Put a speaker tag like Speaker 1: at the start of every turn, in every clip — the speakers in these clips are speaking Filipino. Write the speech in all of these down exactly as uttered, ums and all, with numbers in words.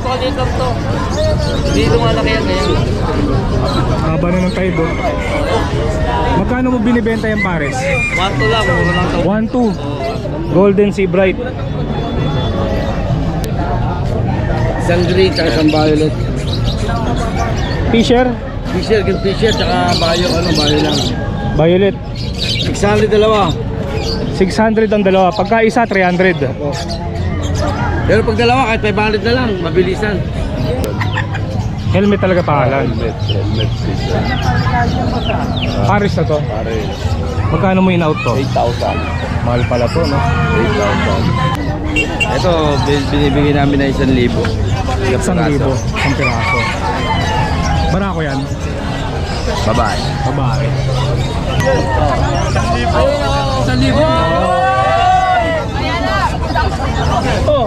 Speaker 1: napakaliit lang to. Hindi lumalaki yan ngayon.
Speaker 2: Haba na ng tide, oh. Magkano mo binibenta yung pares?
Speaker 1: one two lang, mura lang to.
Speaker 2: one two. Golden Sea Bright.
Speaker 1: Isang green, tsaka isang violet.
Speaker 2: Fisher?
Speaker 1: Fisher, green fisher, tsaka bayo, ano, bayo lang.
Speaker 2: Violet.
Speaker 1: six hundred dalawa.
Speaker 2: six hundred ang dalawa. Pagka isa, three hundred.
Speaker 1: Pero pag dalawa, kahit five hundred na lang, mabilisan.
Speaker 2: Helmet talaga pangalan.
Speaker 1: Helmet, helmet fisher.
Speaker 2: Pares na to.
Speaker 1: Pares.
Speaker 2: Magkano mo in-out to?
Speaker 1: eight thousand.
Speaker 2: Mahal pala to, no?
Speaker 1: eight thousand. Ito, bin- binibigyan namin na isang libo.
Speaker 2: Isang libo. Isang piraso. Barako yan?
Speaker 1: Babae.
Speaker 2: Babae.
Speaker 1: Isang libo!
Speaker 2: Oh!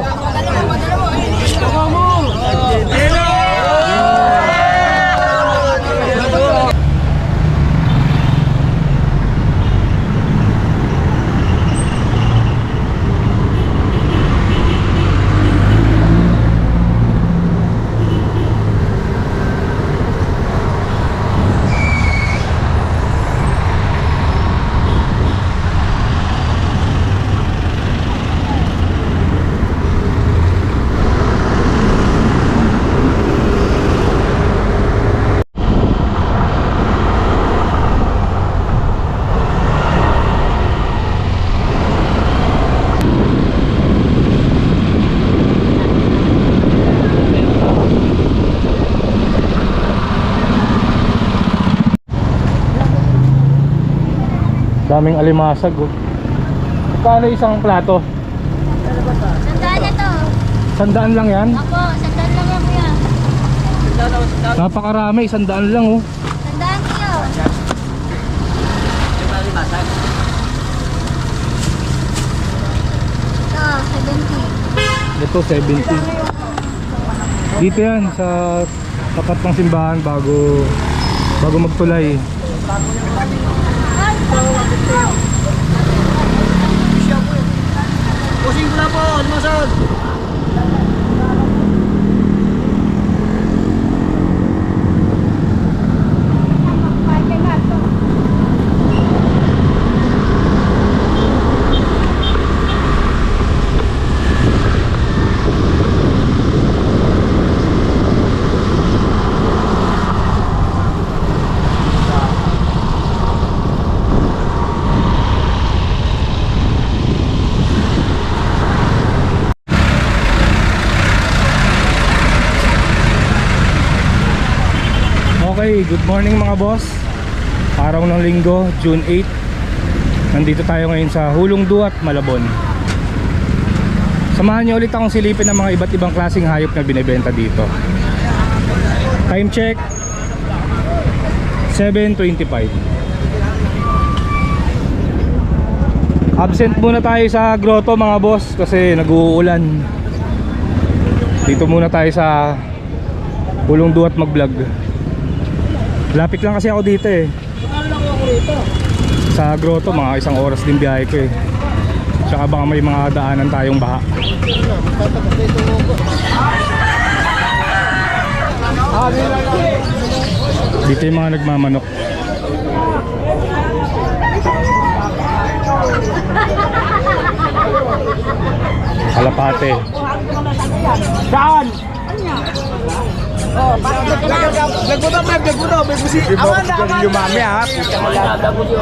Speaker 2: Daming alimasag, oh. Paano isang plato?
Speaker 3: Sandaan na to.
Speaker 2: Sandaan lang yan?
Speaker 3: Ako, sandaan lang yan kuya.
Speaker 2: Napakarami, sandaan lang, oh.
Speaker 3: Sandaan niyo. Ito, seventy.
Speaker 2: Ito, seventy. Dito yan, sa tapat ng simbahan bago bago magtulay.
Speaker 1: Pusing ko na po, lumasad!
Speaker 2: Okay, good morning mga boss. Araw ng linggo, June eighth. Nandito tayo ngayon sa Hulong Duat, Malabon. Samahan niyo ulit akong silipin ng mga iba't ibang klaseng hayop na binebenta dito. Time check seven twenty-five. Absent muna tayo sa grotto mga boss kasi nag-uulan. Dito muna tayo sa Hulong Duat mag-vlog. Lapit lang kasi ako dito eh. Sa grotto mga isang oras din biyahe ko eh. Tsaka baka may mga daanan tayong baha. Dito yung mga nagmamanok. Kalapate. Saan?
Speaker 1: Oh, vlog mo daw, vlog, vlog mo daw, vlog mo si Amanda, Amanda! Yung mami ha, pita mo lang.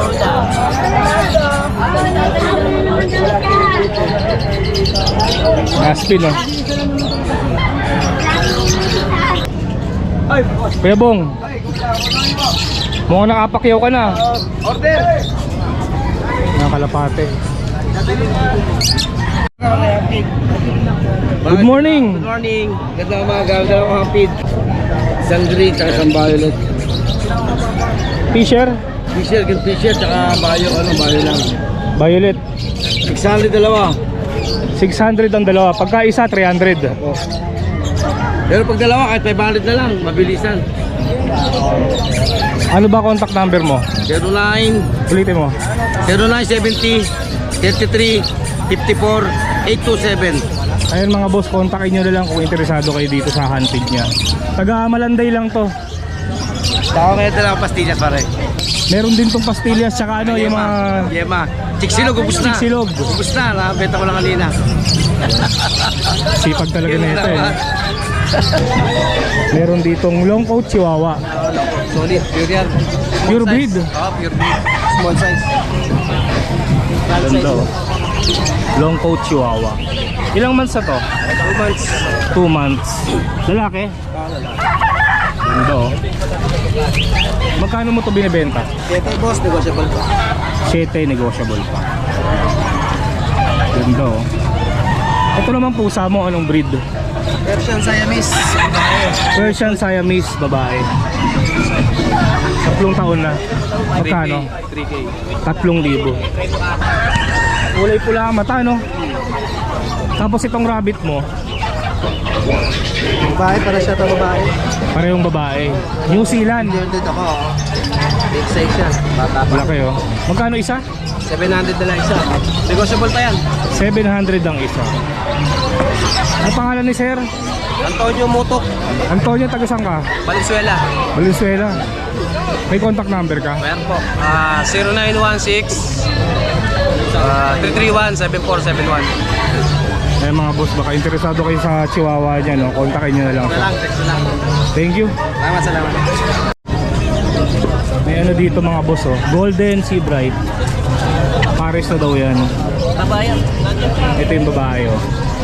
Speaker 2: Aspin oh. Kuya Bong, mukhang nakapakyaw ka na.
Speaker 1: Order!
Speaker 2: Mga kalapate. Good morning!
Speaker 1: Good morning! Ganda umaga, ganda mga feed. Isang green, tsaka isang violet.
Speaker 2: Fisher?
Speaker 1: Fisher, green fisher, tsaka bayo, ano, bayo lang.
Speaker 2: Violet.
Speaker 1: six hundred dalawa.
Speaker 2: six hundred ang dalawa. Pagka isa, three hundred.
Speaker 1: Oh. Pero pag dalawa, kahit five hundred na lang, mabilisan.
Speaker 2: Ano ba contact number mo?
Speaker 1: zero nine
Speaker 2: Ulitin mo.
Speaker 1: zero nine seventy thirty-three fifty-four eight two seven.
Speaker 2: Ayun mga boss, kontakin nyo na lang kung interesado kayo dito sa hunted niya. Taga Malanday lang to.
Speaker 1: Saka kaya talaga pastillas pare.
Speaker 2: Meron din tong pastillas tsaka ano yung mga
Speaker 1: Yema. Chiksilog, ubus na.
Speaker 2: Chiksilog.
Speaker 1: Ubus na, nakabenta ko lang kanina.
Speaker 2: sipag talaga na ito eh. Meron ditong long coat chihuahua.
Speaker 1: Solid, pure yan. Small
Speaker 2: Pure
Speaker 1: size.
Speaker 2: breed.
Speaker 1: Oo, pure breed. Small size. Small
Speaker 2: Ganda
Speaker 1: size.
Speaker 2: oh. Long coat chihuahua. Ilang months na to?
Speaker 1: Two months.
Speaker 2: two months. Lalaki? Ganda oh. Magkano mo to binibenta?
Speaker 1: Ito boss, negotiable pa.
Speaker 2: Siyete, negotiable pa. Ganda oh. Ito naman pusa mo, anong breed?
Speaker 1: Persian Siamese.
Speaker 2: Persian Siamese, babae. Tatlong taon na. Magkano?
Speaker 1: three K.
Speaker 2: Tatlong libo. Kulay pula ang mata, no? Tapos itong rabbit mo,
Speaker 1: Babae, para siya ito babae.
Speaker 2: parehong babae. New Zealand.
Speaker 1: Yun dito ako. oh. Big size siya. Bata pa.
Speaker 2: Laki oh. Magkano isa?
Speaker 1: seven hundred na lang isa. Negotiable pa yan.
Speaker 2: seven hundred ang isa. Ang pangalan ni Sir?
Speaker 1: Antonio Mutok.
Speaker 2: Antonio, taga saan ka?
Speaker 1: Valenzuela.
Speaker 2: Valenzuela. May contact number ka?
Speaker 1: Meron po. Ah, zero nine one six ah, three three one seven four seven one.
Speaker 2: Eh mga boss, baka interesado kayo sa chihuahua niya, no? Kontakin nyo na lang.
Speaker 1: Na lang, text na lang.
Speaker 2: Thank you.
Speaker 1: Salamat, salamat.
Speaker 2: May ano dito mga boss, oh. Golden Sea Bright. Pares na daw yan.
Speaker 1: Tabayan.
Speaker 2: Ito yung babae, oh.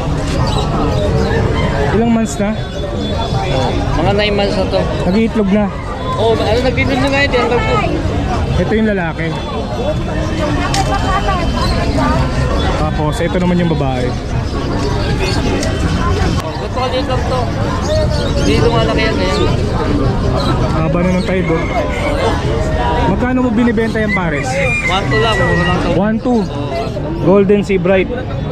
Speaker 2: Ilang months na?
Speaker 1: Mga nine months na to.
Speaker 2: Nag-iitlog na.
Speaker 1: Oo, oh, ano nagtitin na nga ito?
Speaker 2: Ito yung lalaki. Tapos, ito naman yung babae.
Speaker 1: Ito ka dito lang to. Hindi lumalaki yan ngayon.
Speaker 2: Haba na ng tide, oh. Magkano mo binibenta yung pares?
Speaker 1: One to lang, mura lang to.
Speaker 2: one two. Golden Sea Bright.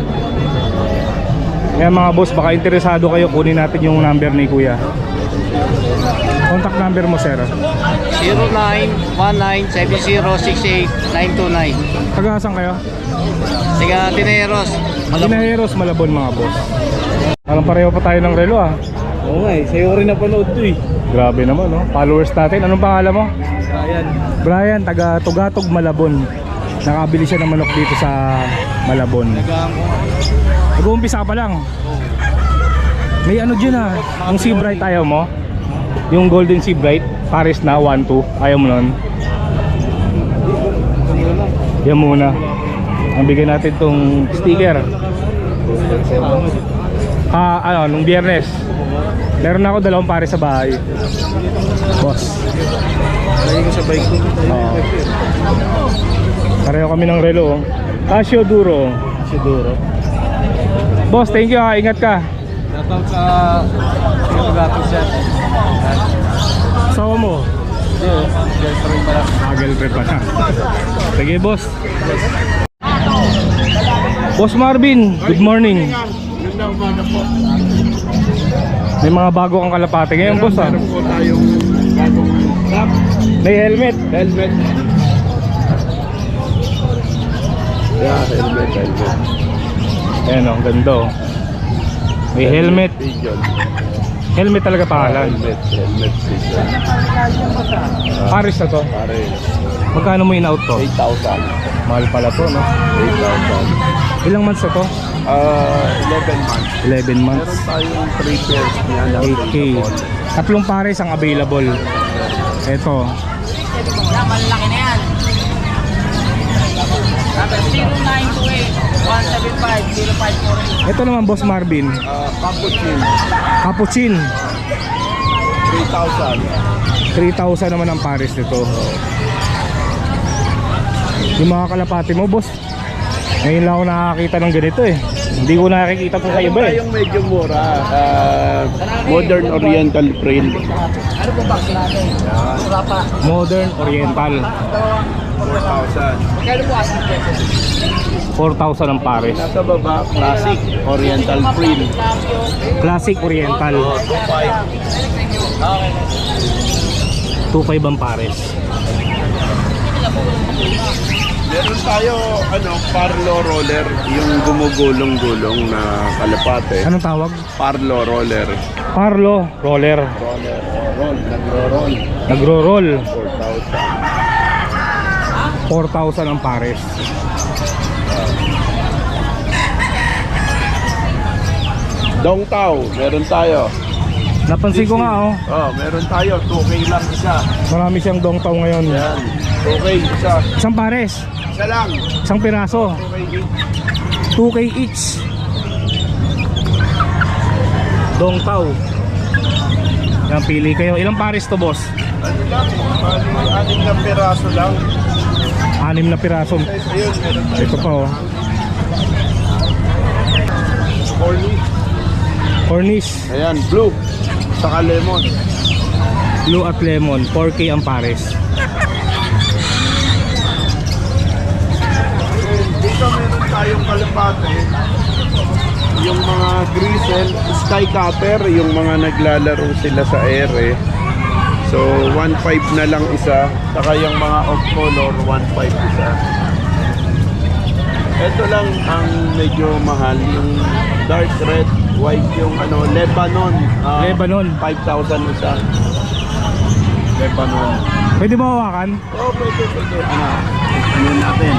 Speaker 2: Kaya mga boss, baka interesado kayo, kunin natin yung number ni Kuya. Contact number mo, sir.
Speaker 1: zero nine one nine seven zero six eight nine two nine.
Speaker 2: Taga-asan kayo?
Speaker 1: Siga Tineros.
Speaker 2: Ginaheros, Malabon mga boss. Parang pareho pa tayo ng relo ah.
Speaker 1: Oo nga eh, sa'yo rin napanood to eh.
Speaker 2: Grabe naman, no? Followers natin. Anong pangalan mo?
Speaker 1: Ayan.
Speaker 2: Brian, taga Tugatog, Malabon. Nakabili siya ng manok dito sa Malabon.
Speaker 1: Nagaan ko.
Speaker 2: Nag-uumpisa ka pa lang. May ano dyan ah. Yung Sea Bright ayaw mo? Yung Golden Sea Bright, Paris na, one two. Ayaw mo nun? Yan muna. Ang bigyan natin tong sticker. Ah, ano, nung biyernes. Meron ako dalawang pares sa bahay. Boss.
Speaker 1: Lagi ko sa bike ko.
Speaker 2: Oo. Pareho kami ng relo. oh. Casio Duro.
Speaker 1: Siguro.
Speaker 2: Boss, thank you ha. Ingat ka.
Speaker 1: Shoutout sa Paggatog siya.
Speaker 2: Sawa mo.
Speaker 1: Hindi oh. Girlfriend pala.
Speaker 2: Ah, girlfriend pa na. Sige, boss. Boss Marvin, good morning.
Speaker 4: Ganda umaga po.
Speaker 2: May mga bago kang kalapate ngayon, boss ah.
Speaker 4: Meron po tayong bagong top
Speaker 2: May helmet.
Speaker 4: helmet. Yeah, helmet, helmet.
Speaker 2: Ayan o, ang ganda oh. May helmet.
Speaker 4: Pigeon.
Speaker 2: Helmet talaga pangalan.
Speaker 4: Helmet, helmet pigeon.
Speaker 2: Paris na to.
Speaker 4: Pare,
Speaker 2: Magkano mo in-out to?
Speaker 4: eight thousand.
Speaker 2: Mahal pala to, no?
Speaker 4: eight thousand.
Speaker 2: Ilang months na to?
Speaker 4: Ah, eleven months.
Speaker 2: eleven
Speaker 4: Meron
Speaker 2: months.
Speaker 4: tayong three pairs niya na
Speaker 2: eight K. Tatlong pares ang available. Ito.
Speaker 1: Malaki na yan. zero nine two eight one seven five zero five four eight.
Speaker 2: Ito naman, Boss Marvin.
Speaker 4: Ah, Capuchin,
Speaker 2: Capuchin.
Speaker 4: three thousand.
Speaker 2: three thousand naman ang pares nito. Yung mga kalapati mo, boss. Ngayon lang ako nakakita ng ganito eh. Hindi ko nakikita po sa iba eh.
Speaker 4: Yung medyo mura. Ah, modern Oriental print.
Speaker 1: Ano po box natin? Wala pa.
Speaker 2: Modern Oriental.
Speaker 4: four thousand.
Speaker 1: Magkano po asking price?
Speaker 2: four thousand ang pares.
Speaker 4: Nasa baba, classic Oriental print.
Speaker 2: Classic Oriental. two five ang pares.
Speaker 4: Meron tayo, ano, Parlo Roller, yung gumugulong-gulong na kalapate.
Speaker 2: Anong tawag?
Speaker 4: Parlo Roller.
Speaker 2: Parlo roller.
Speaker 4: Roller, roll, nagro-roll.
Speaker 2: Nagro-roll.
Speaker 4: four thousand.
Speaker 2: four thousand ang pares.
Speaker 4: Dong Tao, meron tayo.
Speaker 2: Napansin ko nga oh,
Speaker 4: Oh, meron tayo, two K lang isa.
Speaker 2: marami siyang dongtaw ngayon.
Speaker 4: Yan, two K isa.
Speaker 2: Isang pares,
Speaker 4: Isa lang,
Speaker 2: isang piraso,
Speaker 4: two K each.
Speaker 2: two K each. Dongtaw. Yan, pili kayo. Ilang pares to, boss?
Speaker 4: Ano lang, bali, anim na piraso lang.
Speaker 2: Anim na piraso.
Speaker 4: Guys, ayun, meron tayo.
Speaker 2: Ito pa oh.
Speaker 4: Corny.
Speaker 2: Cornish,
Speaker 4: Ayan, blue. Saka lemon.
Speaker 2: blue at lemon, four K ang pares.
Speaker 4: Dito meron tayong kalapate. Yung mga grisel, sky cutter, yung mga naglalaro sila sa ere. So, one five na lang isa. Saka yung mga off color, one five isa. Ito lang ang medyo mahal. Yung dark red, white yung ano, Lebanon. ah,
Speaker 2: Lebanon.
Speaker 4: five thousand isa. Lebanon.
Speaker 2: Pwede mo hawakan?
Speaker 4: Oh, pwede, pwede. Ano? Ano natin?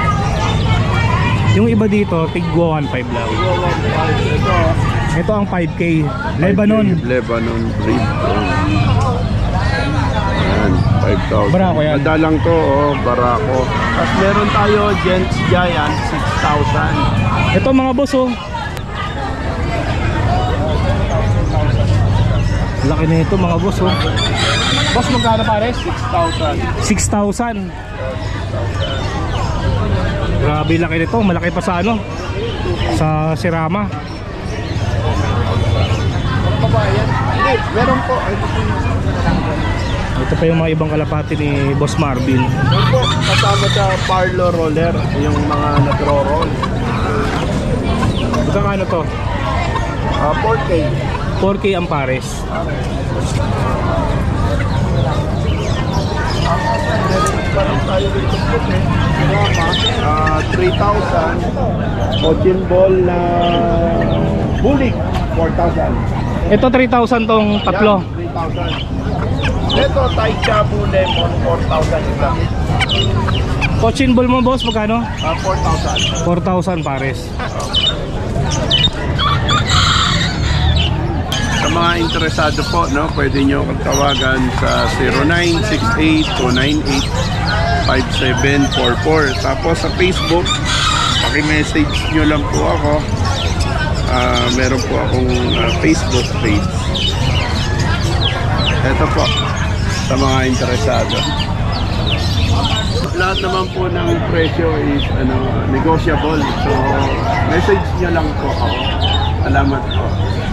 Speaker 2: Yung iba dito, tigwa one five lang.
Speaker 4: Ito,
Speaker 2: Ito ang five K. Lebanon.
Speaker 4: Lebanon breed. Ayan, five thousand.
Speaker 2: Barako yan.
Speaker 4: Madalang to, oh, barako. At meron tayo Gents Giant, six thousand.
Speaker 2: Ito mga boss oh. Laki na ito mga boss oh. Boss, magkano pares?
Speaker 4: six thousand.
Speaker 2: six thousand. Grabe laki nito, malaki pa sa ano? Sa Sirama.
Speaker 4: Hindi, meron po. Ito po yung
Speaker 2: Ito pa yung mga ibang kalapati ni Boss Marvin.
Speaker 4: meron po, kasama sa Parlo Roller, yung mga nagro-roll.
Speaker 2: Magkano to?
Speaker 4: Uh, four K.
Speaker 2: four K ang pares.
Speaker 4: Meron tayo dito po, eh. Ah, three thousand. Cotton ball na bulik, four thousand.
Speaker 2: Ito three thousand tong tatlo.
Speaker 4: Yan, three thousand. Ito, Thai Chabu Lemon, four thousand isa.
Speaker 2: Cochin ball mo boss, magkano?
Speaker 4: Ah, four thousand.
Speaker 2: four thousand pares.
Speaker 4: Sa mga interesado po, no, pwede nyo akong tawagan sa zero nine six eight two nine eight five seven four four. Tapos sa Facebook, paki-message nyo lang po ako. Ah, meron po akong ah, Facebook page. Ito po, sa mga interesado. Lahat naman po ng presyo is ano, negotiable. So, message nyo lang po ako. Salamat po.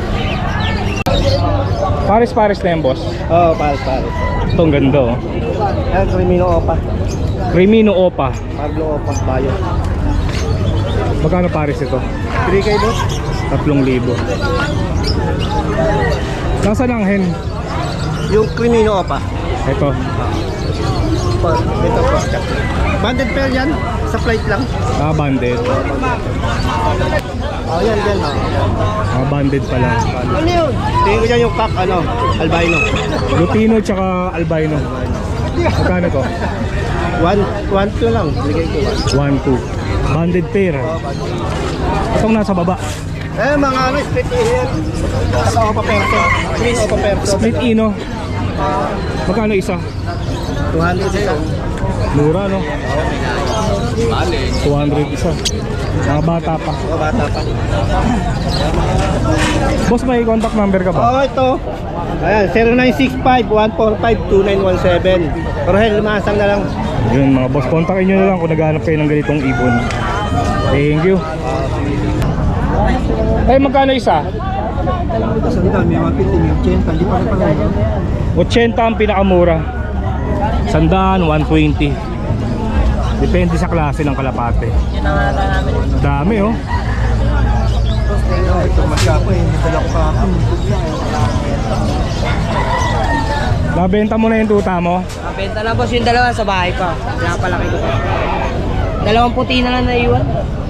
Speaker 2: Pares-pares na yan boss.
Speaker 1: Oo, oh, pares, pares.
Speaker 2: Itong ganda oh.
Speaker 1: Yan, Crimino Opa.
Speaker 2: Crimino Opa.
Speaker 1: Pablo Opa, Bayo.
Speaker 2: Magkano pares ito?
Speaker 1: three K boss?
Speaker 2: tatlong libo. Nasaan ang hen?
Speaker 1: Yung Crimino Opa.
Speaker 2: Ito.
Speaker 1: Po, ito po. Banded pair yan, sa flight lang.
Speaker 2: Ah, banded.
Speaker 1: Oh, yan, yan. Oh.
Speaker 2: Ah, banded pa lang.
Speaker 1: Ano yun? Tingin ko dyan yung cock, ano, albino.
Speaker 2: Lutino tsaka albino. Magkano to?
Speaker 1: One, one, two lang. Bigay ko one.
Speaker 2: one two. Banded pair. Itong nasa baba.
Speaker 1: Eh, mga ano, split here. Saka Opa Perso. Green Opa Perso.
Speaker 2: Split ino. Magkano isa?
Speaker 1: two hundred isa.
Speaker 2: Mura no? two hundred isa. Mga bata pa.
Speaker 1: O, bata pa.
Speaker 2: Boss, may contact number ka ba?
Speaker 1: Oo, ito. Ayan, zero nine six five one four five two nine one seven. Rohel, lumasang na lang.
Speaker 2: Yun mga boss, kontakin nyo na lang kung naghanap kayo ng ganitong ibon. Thank you. Eh, magkano isa? eighty ang pinakamura. Sandaan, one twenty. Depende sa klase ng kalapate. Dami oh.
Speaker 1: Ito masyapa eh, nadala ko kahapon.
Speaker 2: Nabenta mo na yung tuta mo?
Speaker 5: Benta na boss yung dalawa sa bahay pa. Pinapalaki ko pa.
Speaker 1: Dalawang puti na lang naiwan.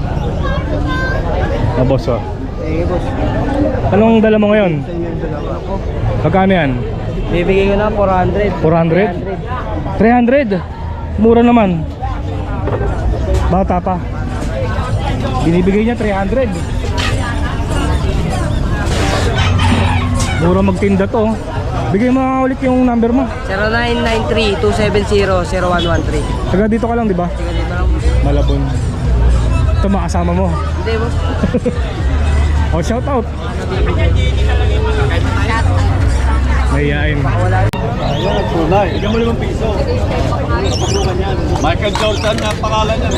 Speaker 2: Na boss oh.
Speaker 1: Sige, boss.
Speaker 2: Anong dala mo ngayon? Magkano yan?
Speaker 1: Bibigay ko na four hundred.
Speaker 2: four hundred? three hundred? Mura naman. Bata pa. Binibigay niya three hundred. Mura magtinda to. Bigay mo nga ulit yung number mo.
Speaker 1: zero nine nine three two seven zero zero one one three.
Speaker 2: Taga dito ka lang, di ba?
Speaker 1: Sige, dito lang.
Speaker 2: Malabon. Ito makasama mo.
Speaker 1: Hindi, boss.
Speaker 2: Oh, shout out. Mahihain.
Speaker 4: Tunay. Bigyan mo limang piso. Michael Jordan na pangalan niya.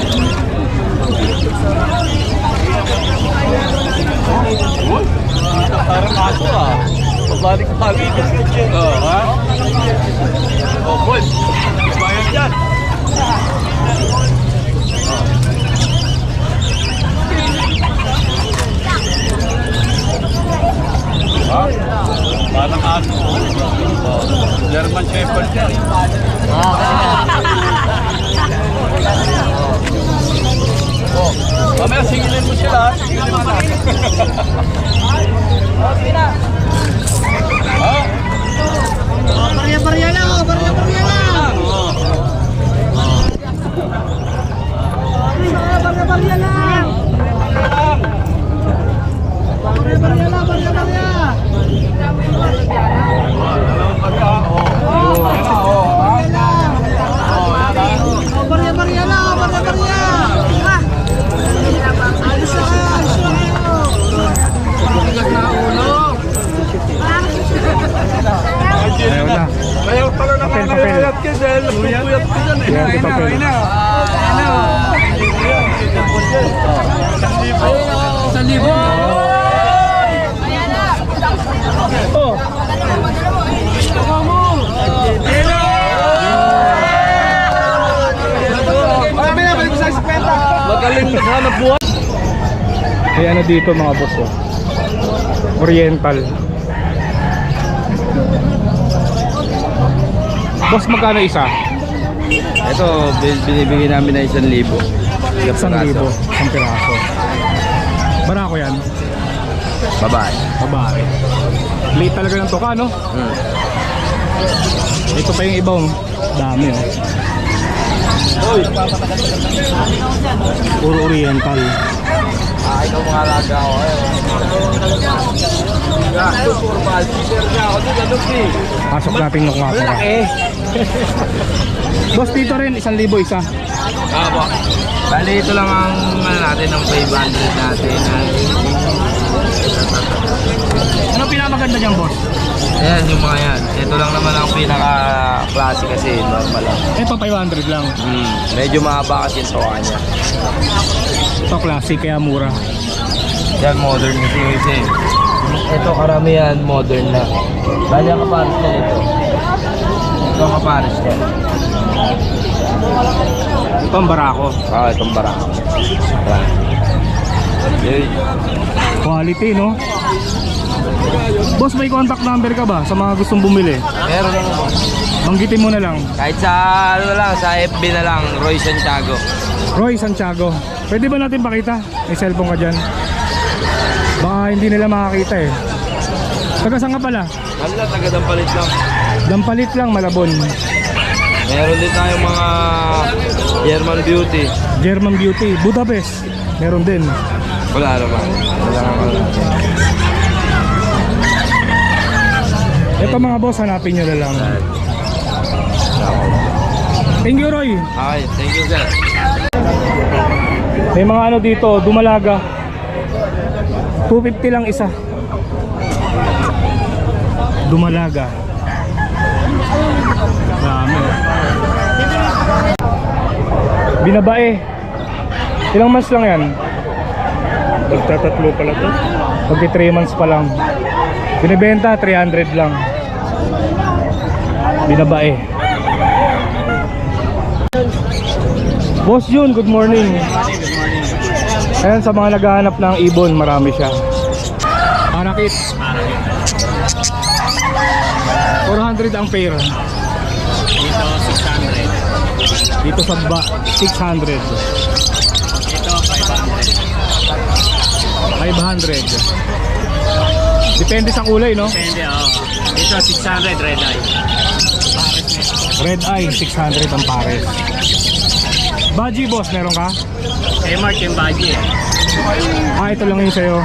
Speaker 4: Uy, parang aso ah. Pabalik pagi kasi siya. Oh, ha? Oh, boy. Bayan dyan. Ha? Parang aso. Oh, German Shepherd yan. Oh, mamaya singilin mo sila. Singilin mo na. Ha?
Speaker 1: Barya-barya lang, oh. Barya-barya lang. Barya-barya lang. Barya-barya lang, barya-barya. Barya-barya lang, barya-barya. Ah! Alis na kayo, alis na kayo. Bigat na ulo.
Speaker 2: Ayaw na.
Speaker 4: Ayaw pala na
Speaker 2: Papel,
Speaker 4: nangyayat ka dahil pupuyat ka dyan eh.
Speaker 2: Yan, si papel.
Speaker 1: Sa libo.
Speaker 2: Oh.
Speaker 4: Magaling naghanap buhay.
Speaker 2: May ano dito mga boss oh. Oriental. Boss, magkano isa?
Speaker 5: Ito, bin- binibigyan namin na isang libo.
Speaker 2: Isang libo. Isang piraso. Barako yan.
Speaker 5: Babae.
Speaker 2: Babae. Late talaga ng tuka, no?
Speaker 5: Hmm.
Speaker 2: Ito pa yung ibang dami, oh. Puro oriental.
Speaker 5: Ah, ikaw mga alaga ako. Formal. Teacher niya ako dito. Ano si?
Speaker 2: Pasok natin yung mga pala.
Speaker 5: Eh.
Speaker 2: Boss, dito rin, isang libo isa.
Speaker 5: Apo. Bali, ito lang ang ano natin, ang five hundred natin.
Speaker 2: Ano pinakamaganda niyang boss?
Speaker 5: Ayan, yung mga yan. Ito lang naman ang pinaka-klase kasi. Normal lang.
Speaker 2: Ito five hundred lang.
Speaker 5: Hmm. Medyo mahaba kasi yung tuwa niya.
Speaker 2: Ito classic, kaya mura.
Speaker 5: Yan, modern kasi kasi. Ito karamihan modern na. Bali ang kapares niya ito. Ito ang kapares niya.
Speaker 2: Ito ang barako.
Speaker 5: Ah, itong barako. Yun.
Speaker 2: Quality, no? Boss, may contact number ka ba sa mga gustong bumili?
Speaker 5: Meron lang mo.
Speaker 2: Banggitin mo na lang.
Speaker 5: Kahit sa ano lang, sa F B na lang, Roy Santiago.
Speaker 2: Roy Santiago. Pwede ba natin pakita? May cellphone ka dyan. Baka hindi nila makakita eh. Taga saan ka pala?
Speaker 5: Ano lang, taga-dampalit lang.
Speaker 2: Dampalit lang, Malabon.
Speaker 5: Meron din tayong mga German Beauty.
Speaker 2: German Beauty, Budapest. Meron din.
Speaker 5: Wala naman. Wala naman.
Speaker 2: Ito mga boss, hanapin nyo na lang. Thank you, Roy.
Speaker 5: Okay, thank you sir.
Speaker 2: May mga ano dito, dumalaga. two fifty lang isa. Dumalaga. Dami. Binabae. Ilang months lang yan? Magtatatlo pala to. Pagki three months pa lang. Binibenta three hundred lang. Binabae. Boss Jun, good morning. Ayan, sa mga naghahanap ng ibon, marami siya. Parakit. four hundred ang pair.
Speaker 5: Dito, six hundred.
Speaker 2: Dito sa ba, six hundred.
Speaker 5: Ito, five hundred.
Speaker 2: five hundred. Depende sa kulay, no?
Speaker 5: Depende, oo. Ito, six hundred, red eye.
Speaker 2: Red eye, six hundred ang pares. Baji, boss, meron ka?
Speaker 5: Eh, Mark yung budget.
Speaker 2: Ah, ito lang yung sa'yo.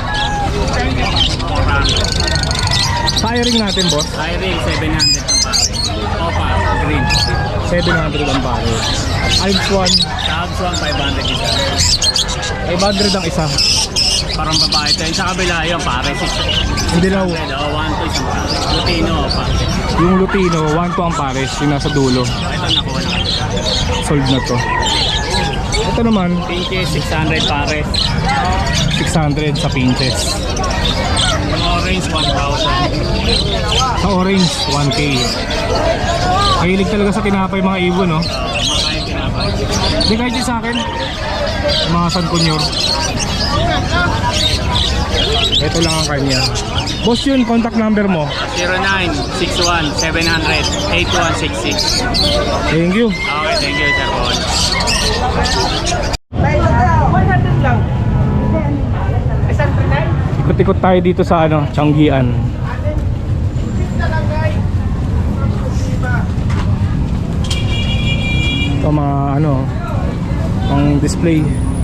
Speaker 5: four hundred.
Speaker 2: Firing natin, boss.
Speaker 5: Hiring, seven hundred ang pare. Opa, green.
Speaker 2: seven hundred ang pares. Alps one,
Speaker 5: Tabs one, five hundred isa.
Speaker 2: five hundred ang isa.
Speaker 5: Parang babae ito. Yung sa kabila yung pare, six
Speaker 2: Hindi na,
Speaker 5: hundred. O, one to isang pare. Lutino, opa.
Speaker 2: yung Lutino, one to ang pares, yung nasa dulo.
Speaker 5: Ito nakuha na.
Speaker 2: Sold na to. Ito naman,
Speaker 5: Pinches, six hundred pare.
Speaker 2: six hundred sa pinches.
Speaker 5: Yung orange, one thousand.
Speaker 2: Sa orange, one K. Mahilig talaga sa tinapay mga ibon, no?
Speaker 5: Makain tinapay.
Speaker 2: Hindi kahit yun sa akin. Mga San Kunyor. Ito lang ang kanya. Boss, yun, contact number mo.
Speaker 5: zero nine six one seven zero zero eight one six six.
Speaker 2: Thank you.
Speaker 5: Okay, thank you, Sir Paul.
Speaker 2: Ikot-ikot tayo dito sa ano, Changian. Ito mga ano, ang display.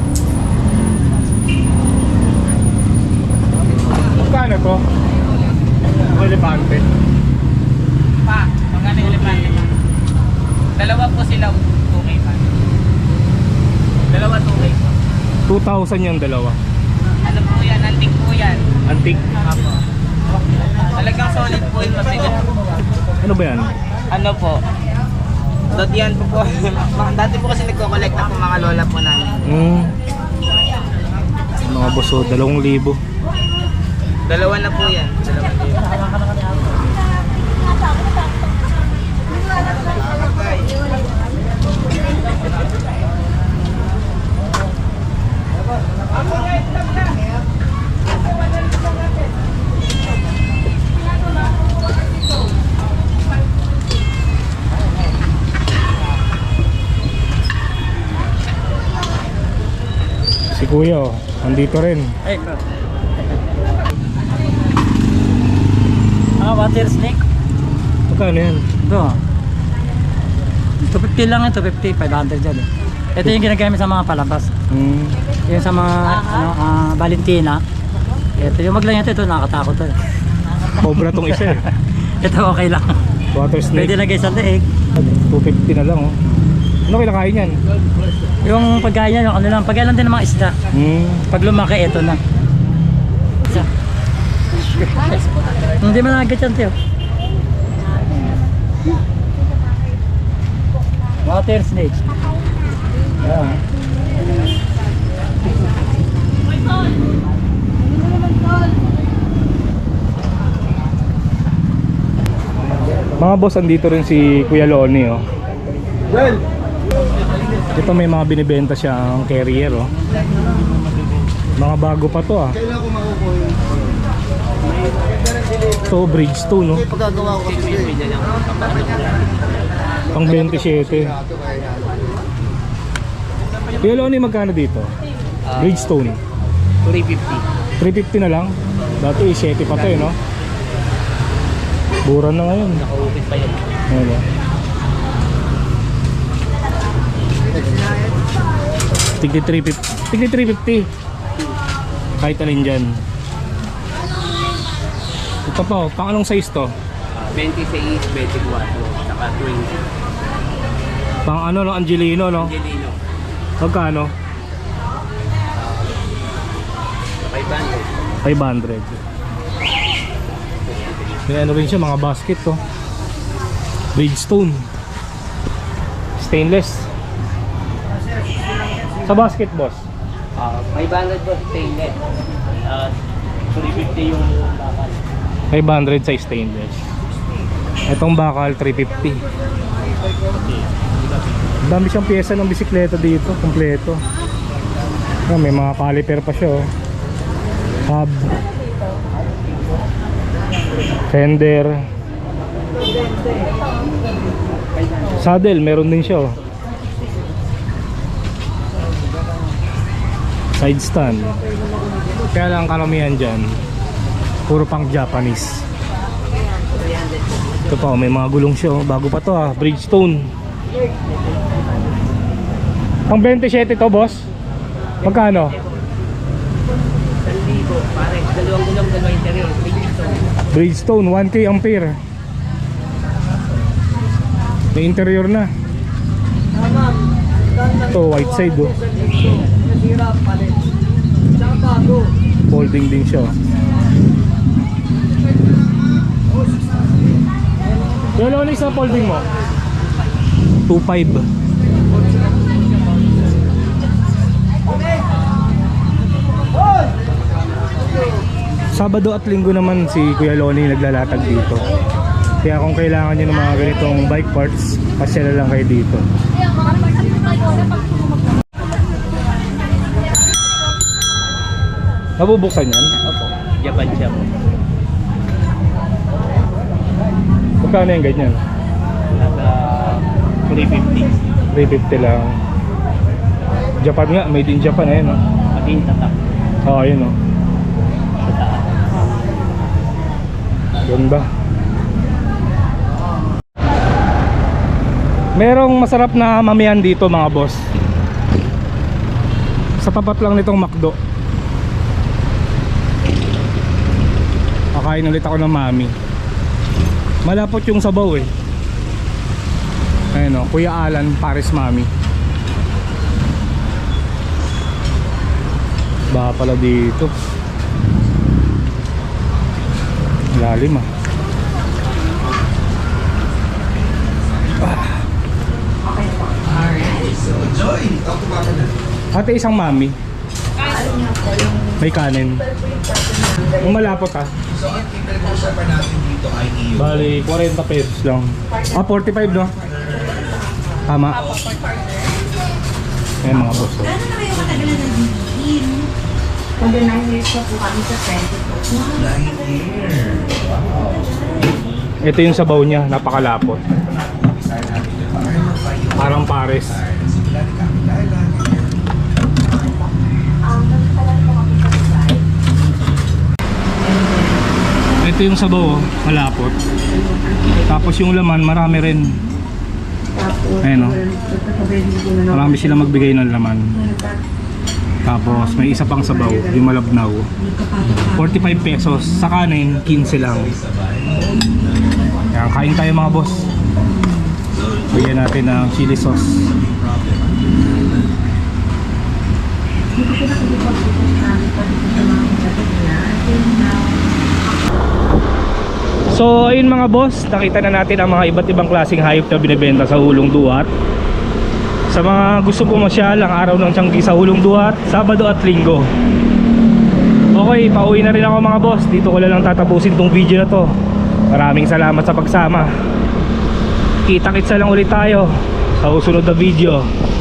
Speaker 2: Magkano to? Elepante.
Speaker 6: Pa, magkano yung elepante mo? Dalawa po sila, two K pa. Dalawa, two K po.
Speaker 2: two thousand yung dalawa.
Speaker 6: Ano po yan? Antik po yan.
Speaker 2: Antique.
Speaker 6: Apo. Talagang solid po yung masigat.
Speaker 2: Ano ba yan?
Speaker 6: Ano po? Dot yan po po. Dati po kasi nagko-collect na po mga lola po namin.
Speaker 2: Hmm. Mga boso, dalawang libo.
Speaker 6: Dalawa na po yan. Dalawa na yan.
Speaker 2: Si Kuya, oh, andito rin.
Speaker 6: Ay, bro. Ah, water snake?
Speaker 2: Magkano yan?
Speaker 6: Ito. two fifty lang ito, fifty, five hundred dyan eh. Ito yung ginagamit sa mga palabas.
Speaker 2: Hmm.
Speaker 6: Yung sa mga ano, ah, Valentina. Ito yung maglang ito, ito nakakatakot to eh.
Speaker 2: Cobra tong isa eh.
Speaker 6: Ito okay lang.
Speaker 2: Water
Speaker 6: Pwede
Speaker 2: snake.
Speaker 6: lagay sa leeg.
Speaker 2: two fifty na lang, oh. Ano kinakain yan?
Speaker 6: Yung pagkaya, yung ano lang, pagkaya lang din ng mga isda.
Speaker 2: Hmm.
Speaker 6: Pag lumaki, ito na. Isa. Hindi man agad yan, Teo. Water snake. Yeah.
Speaker 2: Mga boss, andito rin si Kuya Loni, oh. Ito may mga binibenta siyang carrier, oh. Mga bago pa to, ah. Ito, Bridgestone, no? Pang twenty-seven. Kuya Loni, magkano dito? Bridgestone.
Speaker 6: three fifty.
Speaker 2: three fifty na lang. Dati seven pa to, eh, no? Mura na ngayon.
Speaker 6: Nakaupit pa yan.
Speaker 2: Ano? Tigli three fifty. Tigli three fifty. Kahit alin dyan. Ito po, pang anong size to?
Speaker 5: twenty-six, twenty-four, saka twenty.
Speaker 2: Pang ano, no? Angelino, no?
Speaker 5: Angelino,
Speaker 2: Magkano?
Speaker 5: five hundred.
Speaker 2: five hundred. May ano rin siya, mga basket to. Bridgestone. Stainless. Sa basket, boss.
Speaker 5: Uh, five hundred po stainless. Uh, three fifty yung bakal.
Speaker 2: five hundred sa stainless. Itong bakal, three fifty. Dami siyang pyesa ng bisikleta dito, kompleto. Oh, may mga caliper pa siya, oh. Hub. Fender. Saddle, meron din siya oh. Side stand. Kaya lang karamihan dyan puro pang Japanese. Ito pa, may mga gulong siya oh. Bago pa to ah, Bridgestone. Pang twenty-seven to boss? Magkano?
Speaker 6: Pare, dalawang gulong, dalawang interior.
Speaker 2: Bridgestone, one K ampere. May interior na. Ito, white side oh. Folding din siya. Yung Lonix na folding mo? two five. Sabado at linggo naman si Kuya Lonnie naglalatag dito. Kaya kung kailangan nyo ng mga ganitong bike parts, pasya na lang kayo dito. Mabubuksan yan?
Speaker 6: Opo, Japan siya po.
Speaker 2: Magkano yung ganyan?
Speaker 6: Nasa three fifty.
Speaker 2: three fifty lang. Japan nga, made in Japan eh no?
Speaker 6: Pati yung tatak.
Speaker 2: Oo, oh, yun o. Ganda. Merong masarap na mamihan dito mga boss. Sa tapat lang nitong McDo. Kakain ulit ako ng mami. Malapot yung sabaw eh. Ayun o, Kuya Alan Paris Mami. Baka pala dito. Lalim ah. Ate, isang mami. May kanin. Yung malapot ah. Bali, forty pesos lang. Ah, forty-five no? Tama. Ayan mga boss oh.
Speaker 7: Kung nine years pa po kami sa twenty-two.
Speaker 2: Ito yung sabaw niya, napakalapot. Parang pares. Ito yung sabaw, oh, malapot. Tapos yung laman, marami rin. Ayan o. Marami sila magbigay ng laman. Tapos may isa pang sabaw, yung malabnaw. forty-five pesos. Sa kanin, fifteen lang. Ayan, kain tayo mga boss. Bigyan natin ng chili sauce. So ayun mga boss, nakita na natin ang mga iba't ibang klaseng hayop na binibenta sa Hulong Duhat. Sa mga gusto pumasyal ang araw ng Tianggi sa Hulong Duhat, Sabado at Linggo. Okay, pauwi na rin ako mga boss. Dito ko lang tatapusin tong video na to. Maraming salamat sa pagsama. Kita-kitsa lang ulit tayo sa susunod na video.